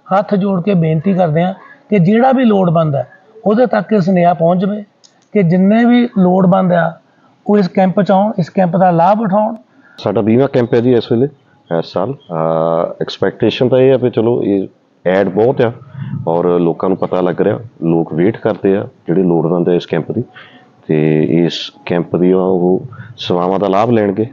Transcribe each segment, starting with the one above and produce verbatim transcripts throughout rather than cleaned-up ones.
हथ जोड़ के बेनती करते हैं कि जिहड़ा भी लोड़वंद है उहदे तक ये सुनेहा पहुँच जाए कि जिन्ने भी लोड़वंद आ वो इस कैंप च आउण, इस कैंप का लाभ उठाउण। साडा बीमा कैंप है जी इस वेले इस साल एक्सपैक्टेशन तो यह है भी चलो ये एड बहुत आ और लोगों को पता लग रहा, लोग वेट करते हैं जिहड़े लोड़वंद है इस कैंप की, तो इस कैंप दी वो सेवावां का लाभ लैणगे।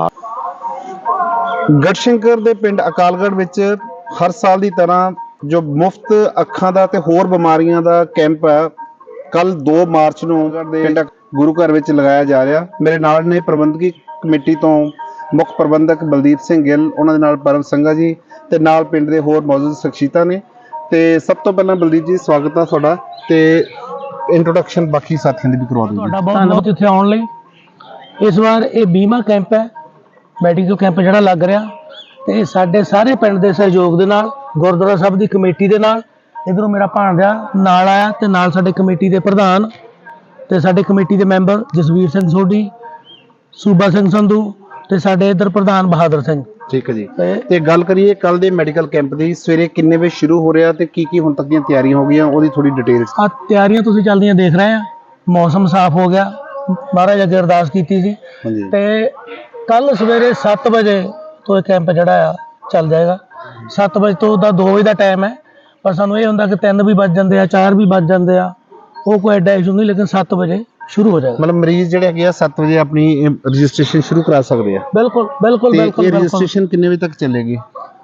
गढ़शंकर दे पिंड अकालगढ़ विच हर साल की तरह जो मुफ्त अखां दा ते होर बीमारियां दा कैंप है कल दो मार्च नूं पिंड गुरु घर विच लगाया जा रहा। मेरे नाल ने प्रबंधकी कमेटी तो मुख प्रबंधक बलदीप सिंह गिल, उन्हां दे नाल परम संघा जी ते नाल पिंड दे होर मौजूद शख्सियतां ने। ते सब तो पहला बलदीप जी स्वागत है तुहाडा ते इंट्रोडक्शन बाकी साथियों दी भी करवा दिओ। बहुत बहुत इत्थे आउण लई। इस बार ये बीमा कैंप है, मैडिकल कैंप जिहड़ा लग रहा ते साडे सारे पिंड दे सहयोग दे नाल गुरुद्वारा साहब दी कमेटी दे नाल इधरों मेरा भाणजा नाल आया ते नाल साडे कमेटी दे प्रधान ते साडे कमेटी दे मैंबर जसवीर सिंह सोढी, सूबा सिंह संधू ते साडे इधर प्रधान बहादुर सिंह। ठीक है जी। ते गल करिए कल दे मैडिकल कैंप दी सवेरे किन्ने बजे शुरू हो रहा ते की की हुण तक दीयां तैयारियां हो गईयां ओदी थोड़ी डिटेल आ तैयारियां तुसीं चलदियां देख रहे हैं। मौसम साफ हो गया, महाराज अगे अरदास कीती सी ते कल सवेरे सत्त बजे तो यह कैंप जड़ा आ चल जाएगा। सत्त बजे तो दा दो बजे का टाइम है, पर सानू ये हुंदा कि तीन भी बज जाते हैं, चार भी बज जाते हैं, वो कोई एडा इशू नहीं, लेकिन सत्त बजे शुरू हो जाएगा। मतलब मरीज जिहड़े हैगे आ सत्त बजे अपनी रजिस्ट्रेशन शुरू करा सकते हैं। बिल्कुल बिल्कुल बिल्कुल। रजिस्ट्रेशन किन्ने बजे तक चलेगी?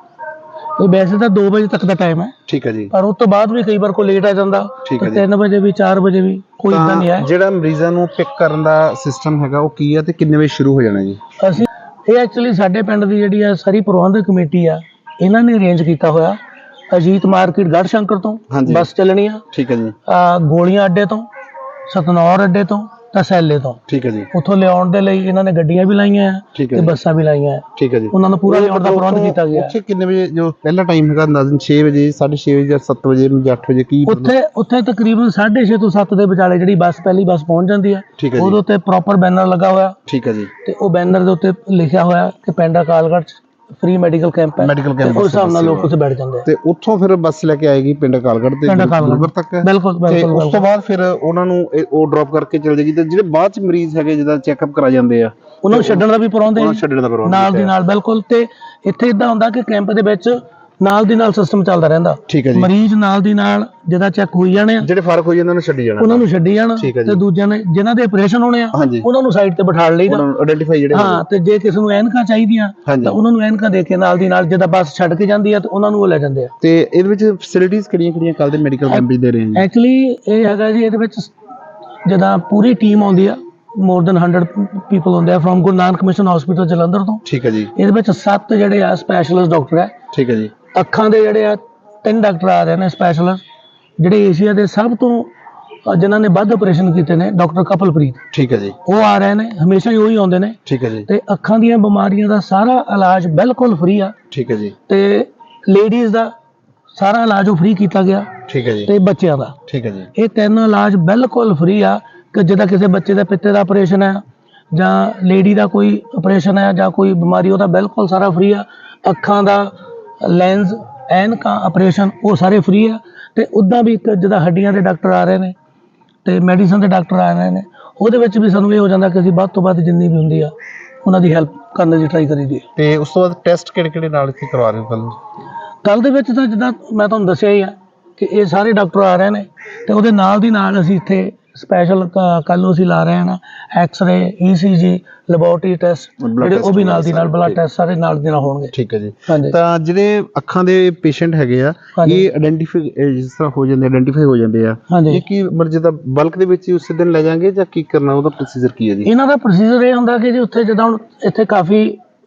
ये वैसे तो दो बजे तक का टाइम है, ठीक है जी, पर उस तो बाद भी कई बार कोई लेट आ जाता, ठीक है, तीन बजे भी चार बजे भी कोई इदा नहीं है। ਜਿਹੜਾ ਮਰੀਜ਼ਾਂ ਨੂੰ ਪਿਕ ਕਰਨ ਦਾ ਸਿਸਟਮ ਹੈਗਾ ਉਹ ਕੀ ਹੈ ਤੇ ਕਿੰਨੇ ਵਜੇ ਸ਼ੁਰੂ ਹੋ ਜਾਣਾ ਜੀ? ਅਸੀਂ ਇਹ ਐਕਚੁਅਲੀ ਸਾਡੇ ਪਿੰਡ ਦੀ ਜਿਹੜੀ ਆ ਸਾਰੀ ਪ੍ਰਬੰਧਕ ਕਮੇਟੀ ਆ ਇਹਨਾਂ ਨੇ ਅਰੇਂਜ ਕੀਤਾ ਹੋਇਆ। ਅਜੀਤ ਮਾਰਕੀਟ ਗੜਸ਼ੰਕਰ ਤੋਂ ਬੱਸ ਚੱਲਣੀ ਆ, ਠੀਕ ਹੈ ਜੀ, ਆ ਗੋਲੀਆਂ ਅੱਡੇ ਤੋਂ, ਸਤਨੌਰ ਅੱਡੇ ਤੋਂ, ਤਸੈਲੇ ਤੋਂ, ਠੀਕ ਹੈ ਜੀ। ਉੱਥੋਂ ਲਿਆਉਣ ਦੇ ਲਈ ਇਹਨਾਂ ਨੇ ਗੱਡੀਆਂ ਵੀ ਲਾਈਆਂ ਆ ਤੇ ਬੱਸਾਂ ਵੀ ਲਾਈਆਂ ਆ, ਠੀਕ ਹੈ ਜੀ। ਉਹਨਾਂ ਨੂੰ ਪੂਰਾ ਲਿਆਉਣ ਦਾ ਪ੍ਰਬੰਧ ਕੀਤਾ ਗਿਆ। ਉੱਥੇ ਕਿੰਨੇ ਵਜੇ ਜੋ ਪਹਿਲਾ ਟਾਈਮ ਹੈਗਾ ਅੰਦਾਜ਼ਨ ਛੇ ਵਜੇ, ਸਾਢੇ ਛੇ ਵਜੇ ਜਾਂ ਸੱਤ ਵਜੇ ਜਾਂ ਅੱਠ ਵਜੇ ਕੀ? ਉੱਥੇ ਉੱਥੇ ਤਕਰੀਬਨ ਸਾਢੇ ਛੇ ਤੋਂ ਸੱਤ ਦੇ ਵਿਚਾਲੇ ਜਿਹੜੀ ਬੱਸ ਪਹਿਲੀ ਬੱਸ ਪਹੁੰਚ ਜਾਂਦੀ ਆ, ਉਹਦੇ ਉੱਤੇ ਪ੍ਰੋਪਰ ਬੈਨਰ ਲੱਗਾ ਹੋਇਆ, ਠੀਕ ਹੈ ਜੀ, ਤੇ ਉਹ ਬੈਨਰ ਦੇ ਉੱਤੇ ਲਿਖਿਆ ਹੋਇਆ ਕਿ ਪਿੰਡ ਅਕਾਲਗੜ੍ਹ फ्री मेडिकल कैंप है, मेडिकल कैंप उस हिसाब नाल लोग उत्थे बैठ जांदे ते उत्थों फिर बस लेके आएगी पिंड अकालगढ़ ते गुरुगढ़ तक। बिल्कुल बिल्कुल। उस तो बाद फिर उन्हां नूं ओ ड्रॉप करके चल जाएगी ते जिहड़े बाद च मरीज हैगे जिदा चैकअप करा जांदे आ उन्हां नूं छड्डण दा भी प्रबंध है, छड्डण दा प्रबंध नाल दी नाल। बिल्कुल। ते इत्थे इदां हुंदा कि कैंप दे विच नाल दी नाल सिस्टम चलदा रहिंदा, ठीक है जी। मरीज नाल दी नाल जिहदा चैक होई जाणे आ, जिहड़े फर्क होई जांदे उन्हां नूं छड्डी जाना, उन्हां नूं छड्डी जाना ते दूजिਆਂ ने जिन्हां दे ਆਪਰੇਸ਼ਨ ਹੋਣੇ ਆ ਉਹਨਾਂ ਨੂੰ ਸਾਈਡ ਤੇ ਬਿਠਾ ਲਈਦਾ, ਉਹਨਾਂ ਨੂੰ ਆਇਡੈਂਟੀਫਾਈ ਜਿਹੜੇ ਹਾਂ। ਤੇ ਜੇ ਕਿਸੇ ਨੂੰ ਐਨਕਾਂ ਚਾਹੀਦੀਆਂ ਤਾਂ ਉਹਨਾਂ ਨੂੰ ਐਨਕਾਂ ਦੇ ਕੇ ਨਾਲ ਦੀ ਨਾਲ ਜਿੱਦਾਂ ਬੱਸ ਛੱਡ ਕੇ ਜਾਂਦੀ ਆ ਤੇ ਉਹਨਾਂ ਨੂੰ ਉਹ ਲੈ ਜਾਂਦੇ ਆ। ਤੇ ਇਹਦੇ ਵਿੱਚ ਫੈਸਿਲਿਟੀਆਂ ਕਿਹੜੀਆਂ ਕਿਹੜੀਆਂ ਕੱਲ ਦੇ ਮੈਡੀਕਲ ਕੈਂਪ ਦੇ ਰਹੇ ਆ? ਐਕਚੁਅਲੀ ਇਹ ਹੈਗਾ ਜੀ, ਇਹਦੇ ਵਿੱਚ ਜਿੱਦਾਂ ਪੂਰੀ ਟੀਮ ਆਉਂਦੀ ਆ, ਮੋਰ ਦੈਨ ਹੰਡਰਡ ਪੀਪਲ ਹੁੰਦੇ ਆ from Guru Nanak mission hospital Jalandhar ਤੋਂ, ਠੀਕ ਹੈ ਜੀ। ਇਹਦੇ ਵਿੱਚ ਸੱਤ ਜਿਹੜੇ ਆ ਸਪੈਸ਼ਲਿਸਟ ਡਾਕਟਰ ਹੈ, ਠੀਕ ਹੈ ਜੀ। ਅੱਖਾਂ ਦੇ ਜਿਹੜੇ ਆ ਤਿੰਨ ਡਾਕਟਰ ਆ ਰਹੇ ਨੇ ਸਪੈਸ਼ਲਿਸਟ, ਜਿਹੜੇ ਏਸ਼ੀਆ ਦੇ ਸਭ ਤੋਂ ਜਿਨ੍ਹਾਂ ਨੇ ਵੱਧ ਆਪਰੇਸ਼ਨ ਕੀਤੇ ਨੇ, ਡਾਕਟਰ ਕਪਲਪ੍ਰੀਤ, ਠੀਕ ਹੈ ਜੀ, ਉਹ ਆ ਰਹੇ ਨੇ, ਹਮੇਸ਼ਾ ਹੀ ਉਹੀ ਆਉਂਦੇ ਨੇ, ਠੀਕ ਹੈ ਜੀ। ਤੇ ਅੱਖਾਂ ਦੀਆਂ ਬਿਮਾਰੀਆਂ ਦਾ ਸਾਰਾ ਇਲਾਜ ਬਿਲਕੁਲ ਫ੍ਰੀ ਆ, ਠੀਕ ਹੈ ਜੀ। ਤੇ ਲੇਡੀਜ਼ ਦਾ ਸਾਰਾ ਇਲਾਜ ਉਹ ਫ੍ਰੀ ਕੀਤਾ ਗਿਆ, ਠੀਕ ਹੈ ਜੀ। ਤੇ ਬੱਚਿਆਂ ਦਾ, ਠੀਕ ਹੈ ਜੀ। ਇਹ ਤਿੰਨ ਇਲਾਜ ਬਿਲਕੁਲ ਫ੍ਰੀ ਆ ਕਿ ਜਿੱਦਾਂ ਕਿਸੇ ਬੱਚੇ ਦਾ ਪਿੱਤੇ ਦਾ ਆਪਰੇਸ਼ਨ ਹੈ ਜਾਂ ਲੇਡੀ ਦਾ ਕੋਈ ਆਪਰੇਸ਼ਨ ਹੈ ਜਾਂ ਕੋਈ ਬਿਮਾਰੀ, ਉਹਦਾ ਬਿਲਕੁਲ ਸਾਰਾ ਫ੍ਰੀ ਆ। ਅੱਖਾਂ ਦਾ ਲੈਂਸ ਐਨਕਾਂ ਆਪਰੇਸ਼ਨ ਉਹ ਸਾਰੇ ਫ੍ਰੀ ਆ। ਤੇ ਉੱਦਾਂ ਵੀ ਇੱਕ ਜਿੱਦਾਂ ਹੱਡੀਆਂ ਦੇ ਡਾਕਟਰ ਆ ਰਹੇ ਨੇ ਤੇ ਮੈਡੀਸਨ ਦੇ ਡਾਕਟਰ ਆ ਰਹੇ ਨੇ, ਉਹਦੇ ਵਿੱਚ ਵੀ ਸਾਨੂੰ ਇਹ ਹੋ ਜਾਂਦਾ ਕਿ ਅਸੀਂ ਵੱਧ ਤੋਂ ਵੱਧ ਜਿੰਨੀ ਵੀ ਹੁੰਦੀ ਆ ਉਹਨਾਂ ਦੀ ਹੈਲਪ ਕਰਨ ਦੀ ਟਰਾਈ ਕਰੀਦੀ। ਤੇ ਉਸ ਤੋਂ ਬਾਅਦ ਟੈਸਟ ਕਿਹੜੇ ਕਿਹੜੇ ਨਾਲ ਇੱਥੇ ਕਰਵਾ ਰਹੇ ਹੋ ਕੱਲ? ਕੱਲ ਦੇ ਵਿੱਚ ਤਾਂ ਜਿੱਦਾਂ ਮੈਂ ਤੁਹਾਨੂੰ ਦੱਸਿਆ ਹੀ ਆ ਕਿ ਇਹ ਸਾਰੇ ਡਾਕਟਰ ਆ ਰਹੇ ਨੇ ਤੇ ਉਹਦੇ ਨਾਲ ਦੀ ਨਾਲ ਅਸੀਂ ਇੱਥੇ ਸਪੈਸ਼ਲ ਕੱਲ ਨੂੰ ਅਸੀਂ ਲਾ ਰਹੇ ਹਾਂ ਨਾ ਐਕਸ-ਰੇ, ਈ ਸੀ ਜੀ, ਲੈਬੋਰਟਰੀ ਟੈਸਟ ਜਿਹੜੇ ਉਹ ਵੀ ਨਾਲ ਦੀ ਨਾਲ, ਬਲੱਡ ਟੈਸਟ ਸਾਰੇ ਨਾਲ ਦੀ ਨਾਲ ਹੋਣਗੇ, ਠੀਕ ਹੈ ਜੀ। ਤਾਂ ਜਿਹੜੇ ਅੱਖਾਂ ਦੇ ਪੇਸ਼ੈਂਟ ਹੈਗੇ ਆ ਇਹ ਆਇਡੈਂਟੀਫਾਈ ਜਿਸ ਤਰ੍ਹਾਂ ਹੋ ਜਾਂਦੇ ਆਇਡੈਂਟੀਫਾਈ ਹੋ ਜਾਂਦੇ ਆ, ਇਹ ਕੀ ਮਰਜ਼ੀ ਦਾ ਬਲਕ ਦੇ ਵਿੱਚ ਉਸੇ ਦਿਨ ਲੈ ਜਾਵਾਂਗੇ ਜਾਂ ਕੀ ਕਰਨਾ, ਉਹਦਾ ਪ੍ਰੋਸੀਜਰ ਕੀ ਹੈ ਜੀ? ਇਹਨਾਂ ਦਾ ਪ੍ਰੋਸੀਜਰ ਇਹ ਹੁੰਦਾ ਕਿ ਜੀ ਉੱਥੇ ਜਿੱਦਾਂ ਹੁਣ ਇੱਥੇ ਕਾਫੀ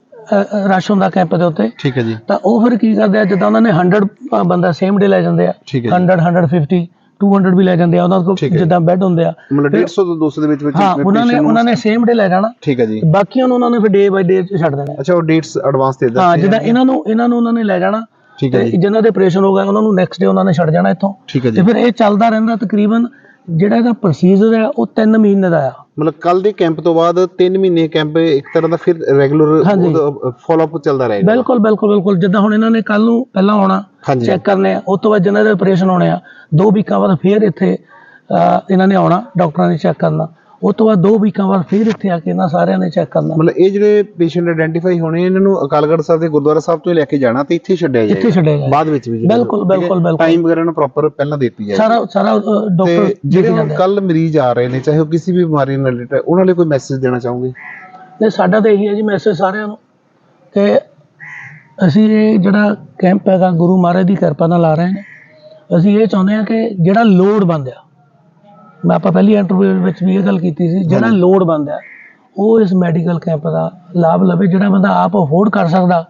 ਰਸ਼ ਹੁੰਦਾ ਕੈਂਪ ਦੇ ਉੱਤੇ, ਠੀਕ ਹੈ ਜੀ, ਤਾਂ ਉਹ ਫਿਰ ਕੀ ਕਰਦੇ ਆ ਜਿੱਦਾਂ ਉਹਨਾਂ ਨੇ ਹੰਡਰਡ ਬੰਦਾ ਸੇਮ ਡੇ ਲੈ ਜਾਂਦੇ ਆ, hundred, hundred fifty, two hundred ਵੀ ਲੈ ਜਾਂਦੇ ਆ, ਉਹਨਾਂ ਕੋਲ ਜਿੱਦਾਂ ਬੈੱਡ ਹੁੰਦੇ ਆ, ਮਤਲਬ ਡੇਢ ਸੌ ਤੋਂ ਦੋ ਸੌ ਦੇ ਵਿੱਚ ਵਿੱਚ ਹਾਂ ਉਹਨਾਂ ਨੇ ਉਹਨਾਂ ਨੇ ਸੇਮ ਡੇ ਲੈ ਜਾਣਾ, ਠੀਕ ਹੈ ਜੀ। ਬਾਕੀਆਂ ਨੂੰ ਉਹਨਾਂ ਨੇ ਫਿਰ ਡੇ ਬਾਈ ਡੇ ਛੱਡ ਦੇਣਾ। ਅੱਛਾ, ਉਹ ਡੇਟਸ ਐਡਵਾਂਸ ਦੇ ਦਿੰਦੇ ਹਾਂ, ਜਿੱਦਾਂ ਇਹਨਾਂ ਨੂੰ ਇਹਨਾਂ ਨੂੰ ਉਹਨਾਂ ਨੇ ਲੈ ਜਾਣਾ, ਠੀਕ ਹੈ ਜੀ। ਜਿਨ੍ਹਾਂ ਦੇ ਆਪਰੇਸ਼ਨ ਹੋ ਗਿਆ ਉਹਨਾਂ ਨੂੰ ਨੈਕਸਟ ਡੇ ਉਹਨਾਂ ਨੇ ਛੱਡ ਜਾਣਾ ਇੱਥੋਂ, ਠੀਕ ਹੈ ਜੀ। ਤੇ ਫਿਰ ਇਹ ਚੱਲਦਾ ਰਹਿੰਦਾ ਤਕਰੀਬਨ ਜਿਹੜਾ ਇਹਦਾ ਪ੍ਰੋਸੀਜਰ ਹੈ ਉਹ ਤਿੰਨ ਮਹੀਨੇ ਦਾ ਆ। ਮਤਲਬ ਕੱਲ ਦੇ ਕੈਂਪ ਤੋਂ ਬਾਅਦ ਤਿੰਨ ਮਹੀਨੇ ਕੈਂਪ ਇੱਕ ਤਰ੍ਹਾਂ ਦਾ ਫਿਰ ਰੈਗੂਲਰ ਫਾਲੋ ਅਪ ਚੱਲਦਾ ਰਹੇਗਾ। ਬਿਲਕੁਲ ਬਿਲਕੁਲ ਬਿਲਕੁਲ ਜਿੱਦਾਂ ਹੁਣ ਇਹਨਾਂ ਨੇ ਕੱਲ ਨੂੰ ਪਹਿਲਾਂ ਆਉਣਾ ਚੈੱਕ ਕਰਨੇ ਆ, ਉਸ ਤੋਂ ਬਾਅਦ ਜਿਹਨਾਂ ਦੇ ਆਪਰੇਸ਼ਨ ਹੋਣੇ ਆ ਦੋ ਵੀਕਾਂ ਬਾਅਦ ਫਿਰ ਇੱਥੇ ਇਹਨਾਂ ਨੇ ਆਉਣਾ, ਡਾਕਟਰਾਂ ਨੇ ਚੈੱਕ ਕਰਨਾ, ਉਸ ਤੋਂ ਬਾਅਦ ਦੋ ਵੀਕਾਂ ਬਾਅਦ ਫਿਰ ਇੱਥੇ ਆ ਕੇ ਇਹਨਾਂ ਸਾਰਿਆਂ ਨੇ ਚੈੱਕ ਕਰਨਾ। ਮਤਲਬ ਇਹ ਜਿਹੜੇ ਪੇਸ਼ੈਂਟ ਆਇਡੈਂਟੀਫਾਈ ਹੋਣੇ ਇਹਨਾਂ ਨੂੰ ਅਕਾਲਗੜ੍ਹ ਸਾਹਿਬ ਦੇ ਗੁਰਦੁਆਰਾ ਸਾਹਿਬ ਤੋਂ ਲੈ ਕੇ ਜਾਣਾ ਤੇ ਇੱਥੇ ਛੱਡਿਆ ਜਾਏਗਾ, ਇੱਥੇ ਛੱਡਿਆ ਬਾਅਦ ਵਿੱਚ ਵੀ ਬਿਲਕੁਲ ਬਿਲਕੁਲ ਬਿਲਕੁਲ ਟਾਈਮ ਵਗੈਰਾ ਨੂੰ ਪ੍ਰੋਪਰ ਪਹਿਲਾਂ ਦਿੱਤੀ ਜਾਏਗੀ। ਸਾਰਾ ਸਾਰਾ ਡਾਕਟਰ ਜਿਹੜੇ ਕੱਲ ਮਰੀਜ਼ ਆ ਰਹੇ ਨੇ ਚਾਹੇ ਉਹ ਕਿਸੇ ਵੀ ਬਿਮਾਰੀ ਨਾਲ ਰਿਲੇਟਡ ਉਹਨਾਂ ਲਈ ਕੋਈ ਮੈਸੇਜ ਦੇਣਾ ਚਾਹੋਗੇ? ਨਹੀਂ ਸਾਡਾ ਤਾਂ ਇਹੀ ਹੈ ਜੀ ਮੈਸੇਜ ਸਾਰਿਆਂ ਨੂੰ ਕਿ ਅਸੀਂ ਇਹ ਜਿਹੜਾ ਕੈਂਪ ਹੈਗਾ ਗੁਰੂ ਮਹਾਰਾਜ ਦੀ ਕਿਰਪਾ ਨਾਲ ਲਾ ਰਹੇ ਨੇ। ਅਸੀਂ ਇਹ ਚਾਹੁੰਦੇ ਹਾਂ ਕਿ ਜਿਹੜਾ ਲੋੜਵੰਦ ਆ, ਮੈਂ ਆਪਾਂ ਪਹਿਲੀ ਇੰਟਰਵਿਊ ਵਿੱਚ ਵੀ ਇਹ ਗੱਲ ਕੀਤੀ ਸੀ, ਜਿਹੜਾ ਲੋੜਵੰਦ ਆ ਉਹ ਇਸ ਮੈਡੀਕਲ ਕੈਂਪ ਦਾ ਲਾਭ ਲਵੇ। ਜਿਹੜਾ ਬੰਦਾ ਆਪ ਅਫੋਰਡ ਕਰ ਸਕਦਾ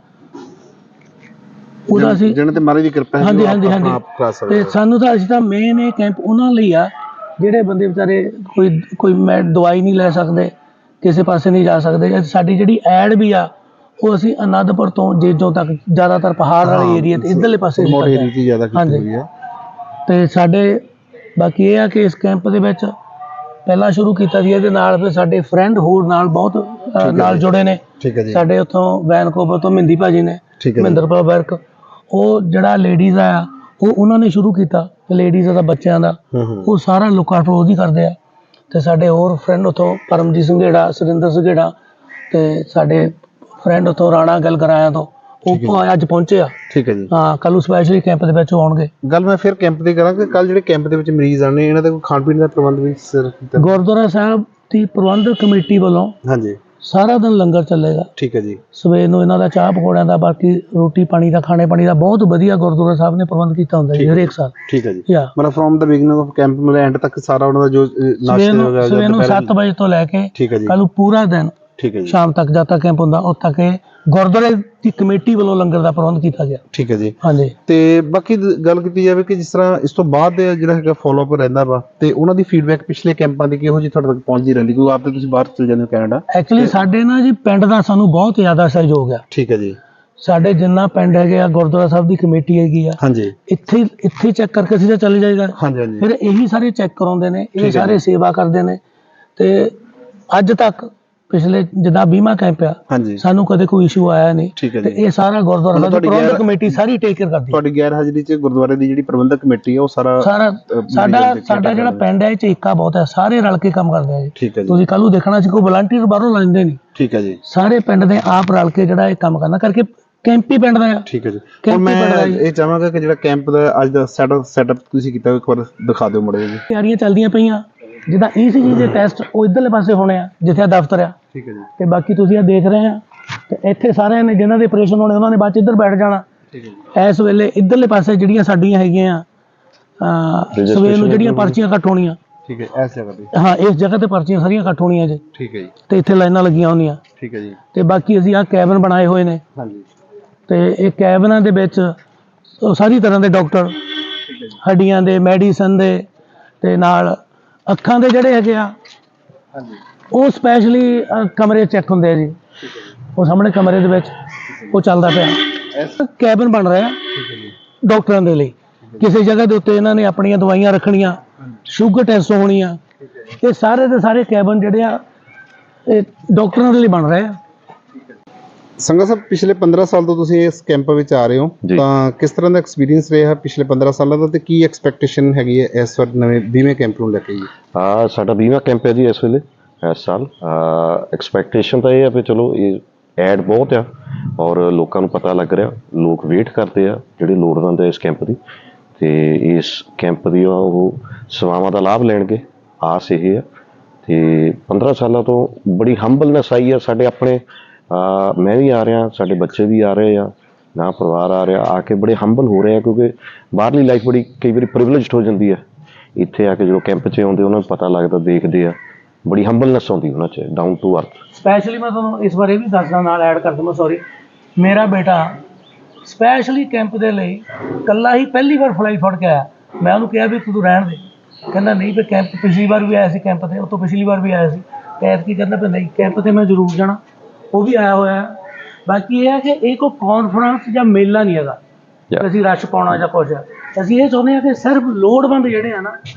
ਉਹਦਾ ਅਸੀਂ ਜਿਹਨਾਂ ਤੇ ਮਹਾਰਾਜ ਦੀ ਕਿਰਪਾ ਹੈ ਹਾਂਜੀ ਹਾਂਜੀ ਹਾਂਜੀ ਤੇ ਸਾਨੂੰ ਤਾਂ ਅਸੀਂ ਤਾਂ ਮੇਨ ਇਹ ਕੈਂਪ ਉਹਨਾਂ ਲਈ ਆ ਜਿਹੜੇ ਬੰਦੇ ਵਿਚਾਰੇ ਕੋਈ ਕੋਈ ਮੈਂ ਦਵਾਈ ਨਹੀਂ ਲੈ ਸਕਦੇ, ਕਿਸੇ ਪਾਸੇ ਨਹੀਂ ਜਾ ਸਕਦੇ। ਸਾਡੀ ਜਿਹੜੀ ਐਡ ਵੀ ਆ ਉਹ ਅਸੀਂ ਅਨੰਦਪੁਰ ਤੋਂ ਜੇਜੋਂ ਤੱਕ ਜ਼ਿਆਦਾਤਰ ਪਹਾੜ ਵਾਲੇ ਏਰੀਆ ਤੇ ਇੱਧਰਲੇ ਪਾਸੇ ਹਾਂਜੀ। ਤੇ ਸਾਡੇ ਬਾਕੀ ਇਹ ਆ ਕਿ ਇਸ ਕੈਂਪ ਦੇ ਵਿੱਚ ਪਹਿਲਾਂ ਸ਼ੁਰੂ ਕੀਤਾ ਸੀ, ਇਹਦੇ ਨਾਲ ਫਿਰ ਸਾਡੇ ਫਰੈਂਡ ਹੋਰ ਨਾਲ ਬਹੁਤ ਨਾਲ ਜੁੜੇ ਨੇ। ਸਾਡੇ ਉੱਥੋਂ ਵੈਨਕੂਵਰ ਤੋਂ ਮਹਿੰਦੀ ਭਾਜੀ ਨੇ, ਮਹਿੰਦਰਪਾਲ ਵਰਕ, ਉਹ ਜਿਹੜਾ ਲੇਡੀਜ਼ ਆ ਉਹ ਉਹਨਾਂ ਨੇ ਸ਼ੁਰੂ ਕੀਤਾ ਲੇਡੀਜ਼ ਦਾ ਬੱਚਿਆਂ ਦਾ, ਉਹ ਸਾਰਾ ਲੁੱਕ-ਆਊਟ ਰੋਜ਼ ਹੀ ਕਰਦੇ ਆ। ਤੇ ਸਾਡੇ ਹੋਰ ਫਰੈਂਡ ਉੱਥੋਂ ਪਰਮਜੀਤ ਸੰਘੇੜਾ, ਸੁਰਿੰਦਰ ਸੰਘੇੜਾ ਤੇ ਸਾਡੇ ਫਰੈਂਡ ਉੱਥੋਂ ਰਾਣਾ ਗੱਲ ਕਰਾਇਆ ਤੋਂ ਉਹ ਅੱਜ ਪਹੁੰਚੇ ਆ। ਠੀਕ ਹੈ ਜੀ। ਹਾਂ ਕੱਲ ਨੂੰ ਸਪੈਸ਼ਲੀ ਕੈਂਪ ਦੇ ਵਿੱਚ ਆਉਣਗੇ। ਗੱਲ ਮੈਂ ਫਿਰ ਕੈਂਪ ਦੀ ਕਰਾਂ ਕਿ ਕੱਲ ਜਿਹੜੇ ਕੈਂਪ ਦੇ ਵਿੱਚ ਮਰੀਜ਼ ਆਣੇ ਇਹਨਾਂ ਦਾ ਕੋਈ ਖਾਣ ਪੀਣ ਦਾ ਪ੍ਰਬੰਧ ਵੀ ਸਿਰ ਗੁਰਦੁਆਰਾ ਸਾਹਿਬ ਦੀ ਪ੍ਰਬੰਧਕ ਕਮੇਟੀ ਵੱਲੋਂ ਹਾਂਜੀ ਸਾਰਾ ਦਿਨ ਲੰਗਰ ਚੱਲੇਗਾ। ਠੀਕ ਹੈ ਜੀ। ਸਵੇਰ ਨੂੰ ਇਹਨਾਂ ਦਾ ਚਾਹ ਪਕੌੜਿਆਂ ਦਾ, ਬਾਕੀ ਰੋਟੀ ਪਾਣੀ ਦਾ, ਖਾਣੇ ਪਾਣੀ ਦਾ ਬਹੁਤ ਵਧੀਆ ਗੁਰਦੁਆਰਾ ਸਾਹਿਬ ਨੇ ਪ੍ਰਬੰਧ ਕੀਤਾ ਹੁੰਦਾ ਜੀ ਹਰੇਕ ਸਾਲ। ਠੀਕ ਹੈ ਜੀ। ਮਤਲਬ from the beginning of camp ਮਤਲਬ ਐਂਡ ਤੱਕ ਸਾਰਾ ਉਹਨਾਂ ਦਾ ਜੋ ਨਾਸ਼ਤੇ ਵਗੈਰਾ ਸਵੇਰ ਨੂੰ ਸੱਤ ਵਜੇ ਤੋਂ ਲੈ ਕੇ ਕੱਲ ਨੂੰ ਪੂਰਾ ਦਿਨ ਠੀਕ ਹੈ ਜੀ ਸ਼ਾਮ ਤੱਕ ਜਦ ਤੱਕ ਕੈਂਪ ਹੁੰਦਾ ਉਦ ਤੱਕ ਇਹ ਗੁਰਦੁਆਰੇ ਦੀ ਕਮੇਟੀ ਵੱਲੋਂ ਲੰਗਰ ਦਾ ਪ੍ਰਬੰਧ ਕੀਤਾ ਗਿਆ। ਠੀਕ ਹੈ ਜੀ। ਹਾਂਜੀ। ਤੇ ਬਾਕੀ ਗੱਲ ਕੀਤੀ ਜਾਵੇ ਕਿ ਜਿਸ ਤਰ੍ਹਾਂ ਇਸ ਤੋਂ ਬਾਅਦ ਜਿਹੜਾ ਹੈਗਾ ਫੋਲੋ ਅਪ ਰਹਿੰਦਾ ਵਾ ਤੇ ਉਹਨਾਂ ਦੀ ਫੀਡਬੈਕ ਪਿਛਲੇ ਕੈਂਪਾਂ ਦੀ ਕਿਹੋ ਜਿਹੀ ਤੁਹਾਡੇ ਤੱਕ ਪਹੁੰਚਦੀ ਰਹਿੰਦੀ? ਕਿਉਂਕਿ ਆਪ ਤੇ ਤੁਸੀਂ ਬਾਹਰ ਚਲੇ ਜਾਂਦੇ ਹੋ ਕੈਨੇਡਾ। ਐਕਚੁਅਲੀ ਸਾਡੇ ਨਾ ਜੀ ਪਿੰਡ ਦਾ ਸਾਨੂੰ ਬਹੁਤ ਜ਼ਿਆਦਾ ਸਹਿਯੋਗ ਆ। ਠੀਕ ਹੈ ਜੀ। ਸਾਡੇ ਜਿੰਨਾ ਪਿੰਡ ਹੈਗੇ ਆ ਗੁਰਦੁਆਰਾ ਸਾਹਿਬ ਦੀ ਕਮੇਟੀ ਹੈਗੀ ਆ ਹਾਂਜੀ, ਇੱਥੇ ਇੱਥੇ ਚੈੱਕ ਕਰਕੇ ਅਸੀਂ ਤਾਂ ਚਲੇ ਜਾਈਦਾ। ਹਾਂਜੀ ਹਾਂਜੀ। ਫਿਰ ਇਹੀ ਸਾਰੇ ਚੈੱਕ ਕਰਾਉਂਦੇ ਨੇ, ਇਹ ਸਾਰੇ ਸੇਵਾ ਕਰਦੇ ਨੇ। ਤੇ ਅੱਜ ਤੱਕ ਪਿਛਲੇ ਜਿੱਦਾਂ ਬੀਮਾ ਕੈਂਪ ਆ ਸਾਨੂੰ ਕਦੇ ਕੋਈ ਇਸ਼ੂ ਆਇਆ ਨਹੀਂ। ਤੇ ਇਹ ਸਾਰਾ ਗੁਰਦੁਆਰਾ ਸਾਹਿਬ ਦੀ ਪ੍ਰਬੰਧਕ ਕਮੇਟੀ ਸਾਰੀ ਟੇਕ ਕੇਅਰ ਕਰਦੀ ਹੈ। ਤੁਹਾਡੀ ਗੈਰ ਹਾਜ਼ਰੀ 'ਚ ਗੁਰਦੁਆਰੇ ਦੀ ਜਿਹੜੀ ਪ੍ਰਬੰਧਕ ਕਮੇਟੀ ਹੈ ਉਹ ਸਾਰਾ ਸਾਰਾ ਸਾਡਾ ਸਾਡਾ ਜਿਹੜਾ ਪਿੰਡ ਹੈ ਇਹ 'ਚ ਏਕਾ ਬਹੁਤ ਹੈ, ਸਾਰੇ ਰਲ ਕੇ ਕੰਮ ਕਰਦੇ ਆ ਜੀ। ਤੁਸੀਂ ਕੱਲ ਨੂੰ ਦੇਖਣਾ ਸੀ ਕੋਈ ਵਲੰਟੀਅਰ ਬਾਹਰੋਂ ਲੈਂਦੇ ਨਹੀਂ। ਠੀਕ ਹੈ ਜੀ। ਸਾਰੇ ਪਿੰਡ ਦੇ ਆਪ ਰਲ ਕੇ ਜਿਹੜਾ ਇਹ ਕੰਮ ਕਰਨਾ ਕਰਕੇ ਕੈਂਪ ਹੀ ਪਿੰਡ ਦਾ ਆ। ਠੀਕ ਹੈ ਜੀ। ਹੁਣ ਮੈਂ ਇਹ ਚਾਹਾਂਗਾ ਕਿ ਜਿਹੜਾ ਕੈਂਪ ਦਾ ਅੱਜ ਦਾ ਸੈਟਅਪ ਸੈਟਅਪ ਤੁਸੀਂ ਕੀਤਾ ਇੱਕ ਵਾਰ ਦਿਖਾ ਦਿਓ ਮੁੰਡੇ ਜੀ। ਤਿਆਰੀਆਂ ਚੱਲਦੀਆਂ ਪਈਆਂ, ਜਿੱਦਾਂ ਈਸੀਜੀ ਦੇ ਟੈਸਟ ਉਹ ਇੱਧਰਲੇ ਪਾਸੇ ਹੋਣੇ ਆ ਜਿੱਥੇ ਦਫ਼ਤਰ ਆ। ਠੀਕ ਹੈ ਜੀ। ਤੇ ਬਾਕੀ ਤੁਸੀਂ ਇਹ ਦੇਖ ਰਹੇ ਆ ਤੇ ਇੱਥੇ ਸਾਰਿਆਂ ਨੇ ਜਿਨ੍ਹਾਂ ਦੇ ਆਪਰੇਸ਼ਨ ਹੋਣੇ ਉਹਨਾਂ ਨੇ ਬਾਅਦ ਚ ਇੱਧਰ ਬੈਠ ਜਾਣਾ। ਠੀਕ ਹੈ ਜੀ। ਇਸ ਵੇਲੇ ਇੱਧਰਲੇ ਪਾਸੇ ਜਿਹੜੀਆਂ ਸਾਡੀਆਂ ਹੈਗੀਆਂ ਅਹ ਸਵੇਰ ਨੂੰ ਜਿਹੜੀਆਂ ਪਰਚੀਆਂ ਕੱਟ ਹੋਣੀਆਂ। ਠੀਕ ਹੈ। ਇਸ ਜਗ੍ਹਾ ਤੇ ਹਾਂ ਇਸ ਜਗ੍ਹਾ ਤੇ ਪਰਚੀਆਂ ਸਾਰੀਆਂ ਕੱਟ ਹੋਣੀਆਂ ਜੀ। ਠੀਕ ਹੈ ਜੀ। ਤੇ ਇੱਥੇ ਲਾਈਨਾਂ ਲੱਗੀਆਂ ਹੁੰਦੀਆਂ। ਠੀਕ ਹੈ ਜੀ। ਤੇ ਬਾਕੀ ਅਸੀਂ ਆਹ ਕੈਬਨ ਬਣਾਏ ਹੋਏ ਨੇ। ਹਾਂਜੀ। ਤੇ ਇਹ ਕੈਬਨਾਂ ਦੇ ਵਿੱਚ ਸਾਰੀ ਤਰ੍ਹਾਂ ਦੇ ਡਾਕਟਰ, ਹੱਡੀਆਂ ਦੇ, ਮੈਡੀਸਨ ਦੇ ਤੇ ਨਾਲ ਅੱਖਾਂ ਦੇ ਜਿਹੜੇ ਹੈਗੇ ਆ ਹਾਂਜੀ ਉਹ ਸਪੈਸ਼ਲੀ ਕਮਰੇ ਚੈੱਕ ਹੁੰਦੇ ਆ ਜੀ। ਉਹ ਸਾਹਮਣੇ ਕਮਰੇ ਦੇ ਵਿੱਚ ਉਹ ਚੱਲਦਾ ਪਿਆ ਕੈਬਨ ਬਣ ਰਿਹਾ ਡਾਕਟਰਾਂ ਦੇ ਲਈ। ਕਿਸੇ ਜਗ੍ਹਾ ਦੇ ਉੱਤੇ ਇਹਨਾਂ ਨੇ ਆਪਣੀਆਂ ਦਵਾਈਆਂ ਰੱਖਣੀਆਂ, ਸ਼ੂਗਰ ਟੈਸਟ ਹੋਣੀਆਂ, ਇਹ ਸਾਰੇ ਦੇ ਸਾਰੇ ਕੈਬਨ ਜਿਹੜੇ ਆ ਇਹ ਡਾਕਟਰਾਂ ਦੇ ਲਈ ਬਣ ਰਹੇ ਆ। ਸੰਗਾ ਸਾਹਿਬ ਪਿਛਲੇ ਪੰਦਰਾਂ ਸਾਲ ਤੋਂ ਤੁਸੀਂ ਇਸ ਕੈਂਪ ਵਿੱਚ ਆ ਰਹੇ ਹੋ ਤਾਂ ਕਿਸ ਤਰ੍ਹਾਂ ਦਾ ਐਕਸਪੀਰੀਅੰਸ ਰਿਹਾ ਪਿਛਲੇ ਪੰਦਰਾਂ ਸਾਲਾਂ ਦਾ ਤੇ ਕੀ ਐਕਸਪੈਕਟੇਸ਼ਨ ਹੈਗੀ ਹੈ ਇਸ ਵਾਰ ਨਵੇਂ ਬੀਮੇ ਕੈਂਪ ਨੂੰ ਲੈ ਕੇ? ਜੀ ਹਾਂ ਸਾਡਾ ਬੀਮਾ ਕੈਂਪ ਹੈ ਜੀ ਇਸ ਵੇਲੇ ਇਸ ਸਾਲ। ਐਕਸਪੈਕਟੇਸ਼ਨ ਤਾਂ ਇਹ ਆ ਵੀ ਚਲੋ ਇਹ ਐਡ ਬਹੁਤ ਆ ਔਰ ਲੋਕਾਂ ਨੂੰ ਪਤਾ ਲੱਗ ਰਿਹਾ, ਲੋਕ ਵੇਟ ਕਰਦੇ ਆ ਜਿਹੜੇ ਲੋੜਵੰਦ ਆ ਇਸ ਕੈਂਪ ਦੀ ਤੇ ਇਸ ਕੈਂਪ ਦੀ ਉਹ ਸੇਵਾਵਾਂ ਦਾ ਲਾਭ ਲੈਣਗੇ, ਆਸ ਇਹ ਆ। ਤੇ ਪੰਦਰਾਂ ਸਾਲਾਂ ਤੋਂ ਬੜੀ ਹੰਬਲਨੈਸ ਆਈ ਆ ਸਾਡੇ ਆਪਣੇ। ਮੈਂ ਵੀ ਆ ਰਿਹਾ, ਸਾਡੇ ਬੱਚੇ ਵੀ ਆ ਰਹੇ ਆ, ਨਾ ਪਰਿਵਾਰ ਆ ਰਿਹਾ, ਆ ਕੇ ਬੜੇ ਹੰਬਲ ਹੋ ਰਹੇ ਆ ਕਿਉਂਕਿ ਬਾਹਰਲੀ ਲਾਈਫ ਬੜੀ ਕਈ ਵਾਰੀ ਪ੍ਰਿਵਿਲੇਜਡ ਹੋ ਜਾਂਦੀ ਹੈ। ਇੱਥੇ ਆ ਕੇ ਜਦੋਂ ਕੈਂਪ 'ਚ ਆਉਂਦੇ ਉਹਨਾਂ ਨੂੰ ਪਤਾ ਲੱਗਦਾ, ਦੇਖਦੇ ਆ, ਬੜੀ ਹੰਬਲਨੈਸ ਆਉਂਦੀ ਉਹਨਾਂ 'ਚ, ਡਾਊਨ ਟੂ ਅਰਥ। ਸਪੈਸ਼ਲੀ ਮੈਂ ਤੁਹਾਨੂੰ ਇਸ ਬਾਰੇ ਵੀ ਦੱਸਦਾ, ਨਾਲ ਐਡ ਕਰ ਦਵਾਂ, ਸੌਰੀ, ਮੇਰਾ ਬੇਟਾ ਸਪੈਸ਼ਲੀ ਕੈਂਪ ਦੇ ਲਈ ਇਕੱਲਾ ਹੀ ਪਹਿਲੀ ਵਾਰ ਫਲਾਈ ਫੜ ਕੇ ਆਇਆ। ਮੈਂ ਉਹਨੂੰ ਕਿਹਾ ਵੀ ਤੂੰ ਰਹਿਣ ਦੇ, ਕਹਿੰਦਾ ਨਹੀਂ ਵੀ ਕੈਂਪ ਪਿਛਲੀ ਵਾਰ ਵੀ ਆਇਆ ਸੀ ਕੈਂਪ 'ਤੇ, ਉਹ ਤੋਂ ਪਿਛਲੀ ਵਾਰ ਵੀ ਆਇਆ ਸੀ, ਐਤਕੀ ਕਹਿੰਦਾ ਵੀ ਨਹੀਂ ਕੈਂਪ 'ਤੇ ਮੈਂ ਜ਼ਰੂਰ ਜਾਣਾ, ਉਹ ਵੀ ਆਇਆ ਹੋਇਆ। ਬਾਕੀ ਇਹ ਹੈ ਕਿ ਇਹ ਕੋਈ ਕਾਨਫਰੰਸ ਜਾਂ ਮੇਲਾ ਨਹੀਂ ਹੈਗਾ ਅਸੀਂ ਰਸ਼ ਪਾਉਣਾ ਜਾਂ ਕੁਝ। ਅਸੀਂ ਇਹ ਚਾਹੁੰਦੇ ਹਾਂ ਕਿ ਸਿਰਫ ਲੋੜਵੰਦ ਜਿਹੜੇ ਆ ਨਾ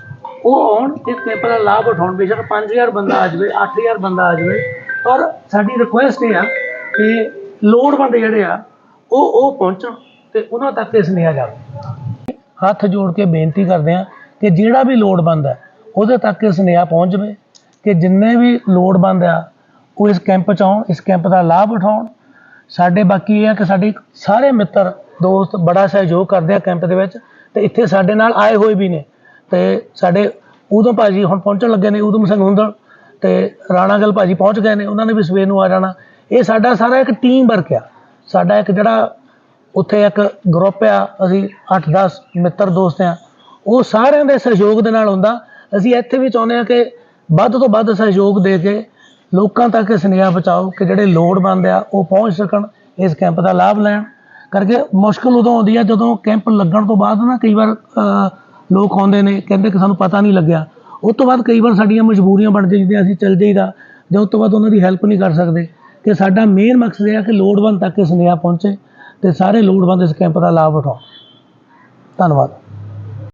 ਉਹ ਆਉਣ ਇਸ ਕੈਂਪ ਦਾ ਲਾਭ ਉਠਾਉਣ। ਬੇਸ਼ੱਕ ਪੰਜ ਹਜ਼ਾਰ ਬੰਦਾ ਆ ਜਾਵੇ, ਅੱਠ ਹਜ਼ਾਰ ਬੰਦਾ ਆ ਜਾਵੇ, ਪਰ ਸਾਡੀ ਰਿਕੁਐਸਟ ਇਹ ਆ ਕਿ ਲੋੜਵੰਦ ਜਿਹੜੇ ਆ ਉਹ ਉਹ ਪਹੁੰਚਣ ਤੇ ਉਹਨਾਂ ਤੱਕ ਇਹ ਸੁਨੇਹਾ ਜਾਵੇ। ਹੱਥ ਜੋੜ ਕੇ ਬੇਨਤੀ ਕਰਦੇ ਹਾਂ ਕਿ ਜਿਹੜਾ ਵੀ ਲੋੜਵੰਦ ਹੈ ਉਹਦੇ ਤੱਕ ਇਹ ਸੁਨੇਹਾ ਪਹੁੰਚ ਜਾਵੇ ਕਿ ਜਿੰਨੇ ਵੀ ਲੋੜਵੰਦ ਆ ਉਹ ਇਸ ਕੈਂਪ 'ਚ ਆਉਣ, ਇਸ ਕੈਂਪ ਦਾ ਲਾਭ ਉਠਾਉਣ। ਸਾਡੇ ਬਾਕੀ ਇਹ ਆ ਕਿ ਸਾਡੇ ਸਾਰੇ ਮਿੱਤਰ ਦੋਸਤ ਬੜਾ ਸਹਿਯੋਗ ਕਰਦੇ ਆ ਕੈਂਪ ਦੇ ਵਿੱਚ, ਤੇ ਇੱਥੇ ਸਾਡੇ ਨਾਲ ਆਏ ਹੋਏ ਵੀ ਨੇ। ਤੇ ਸਾਡੇ ਉਦੋਂ ਭਾਜੀ ਹੁਣ ਪਹੁੰਚਣ ਲੱਗੇ ਨੇ, ਉਦਮ ਸਿੰਘ ਹੁੰਦਲ ਤੇ ਰਾਣਾ ਗੱਲ ਭਾਜੀ ਪਹੁੰਚ ਗਏ ਨੇ, ਉਹਨਾਂ ਨੇ ਵੀ ਸਵੇਰ ਨੂੰ ਆ ਜਾਣਾ। ਇਹ ਸਾਡਾ ਸਾਰਾ ਇੱਕ ਟੀਮ ਵਰਕ ਆ। ਸਾਡਾ ਇੱਕ ਜਿਹੜਾ ਉੱਥੇ ਇੱਕ ਗਰੁੱਪ ਆ, ਅਸੀਂ ਅੱਠ ਦਸ ਮਿੱਤਰ ਦੋਸਤ ਆ, ਉਹ ਸਾਰਿਆਂ ਦੇ ਸਹਿਯੋਗ ਦੇ ਨਾਲ ਹੁੰਦਾ। ਅਸੀਂ ਇੱਥੇ ਵੀ ਚਾਹੁੰਦੇ ਹਾਂ ਕਿ ਵੱਧ ਤੋਂ ਵੱਧ ਸਹਿਯੋਗ ਦੇ ਕੇ ਲੋਕਾਂ ਤੱਕ ਇਹ ਸੁਨੇਹਾ ਪਹੁੰਚਾਓ ਕਿ ਜਿਹੜੇ ਲੋੜਵੰਦ ਆ ਉਹ ਪਹੁੰਚ ਸਕਣ, ਇਸ ਕੈਂਪ ਦਾ ਲਾਭ ਲੈਣ। ਕਰਕੇ ਮੁਸ਼ਕਿਲ ਉਦੋਂ ਆਉਂਦੀ ਆ ਜਦੋਂ ਕੈਂਪ ਲੱਗਣ ਤੋਂ ਬਾਅਦ ਨਾ ਕਈ ਵਾਰ ਲੋਕ ਆਉਂਦੇ ਨੇ, ਕਹਿੰਦੇ ਕਿ ਸਾਨੂੰ ਪਤਾ ਨਹੀਂ ਲੱਗਿਆ। ਉਸ ਤੋਂ ਬਾਅਦ ਕਈ ਵਾਰ ਸਾਡੀਆਂ ਮਜਬੂਰੀਆਂ ਬਣ ਜਾਂਦੀਆਂ, ਅਸੀਂ ਚੱਲ ਜਾਈਦਾ, ਜਾਂ ਉਸ ਤੋਂ ਬਾਅਦ ਉਹਨਾਂ ਦੀ ਹੈਲਪ ਨਹੀਂ ਕਰ ਸਕਦੇ। ਕਿ ਸਾਡਾ ਮੇਨ ਮਕਸਦ ਇਹ ਆ ਕਿ ਲੋੜਵੰਦ ਤੱਕ ਇਹ ਸੁਨੇਹਾ ਪਹੁੰਚੇ ਤੇ ਸਾਰੇ ਲੋੜਵੰਦ ਇਸ ਕੈਂਪ ਦਾ ਲਾਭ ਉਠਾਉਣ। ਧੰਨਵਾਦ।